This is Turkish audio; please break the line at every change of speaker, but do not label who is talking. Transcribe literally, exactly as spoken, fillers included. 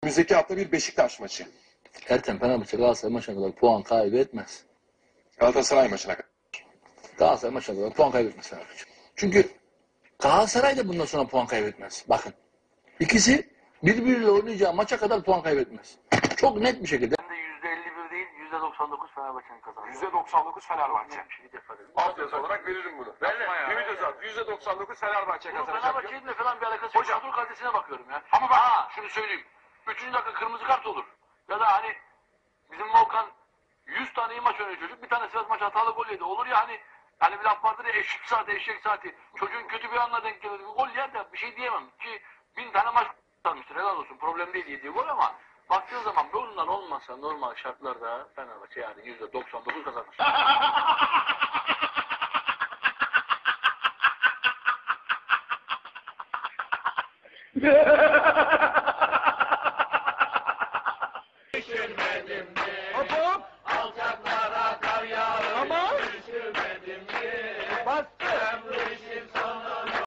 Önümüzdeki hafta bir Beşiktaş maçı.
Ertem Fenerbahçe Galatasaray maçına kadar puan kaybetmez.
Galatasaray maçına kadar.
Galatasaray maçına kadar puan kaybetmez Fenerbahçe. Çünkü Galatasaray da bundan sonra puan kaybetmez. Bakın. İkisi birbiriyle oynayacağı maça kadar puan kaybetmez. Çok net bir şekilde.
Ben de yüzde elli bir değil, yüzde doksan dokuz Fenerbahçe'nin kazandı.
yüzde doksan dokuz Fenerbahçe.
Bir şey defa dedim.
Alt yazı olarak veririm bunu. Ümit Özat yüzde doksan dokuz Fenerbahçe
Bunun
kazanacak.
Fenerbahçe'yle falan bir alakası yok.
Hocam.
Kadro kalitesine bakıyorum ya. Ama bak ha, şunu söyleyeyim. Üçüncü dakika kırmızı kart olur. Ya da hani bizim Volkan yüz tane iyi maç oynuyor çocuk. Bir tane Sivas maç hatalı gol yedi. Olur ya hani hani bir laf vardır ya eşek saati eşek saati. Çocuğun kötü bir anla denk gelir. Gol yer de bir şey diyemem. Ki bin tane maç kalmıştır. Helal olsun. Problem değil yediği gol ama baktığın zaman bundan olmasa normal şartlarda Fenerbahçe yani yüzde doksan dokuz kazanır.
Hop hop. Alçaklara kar yağıyor. Tamam. Bas.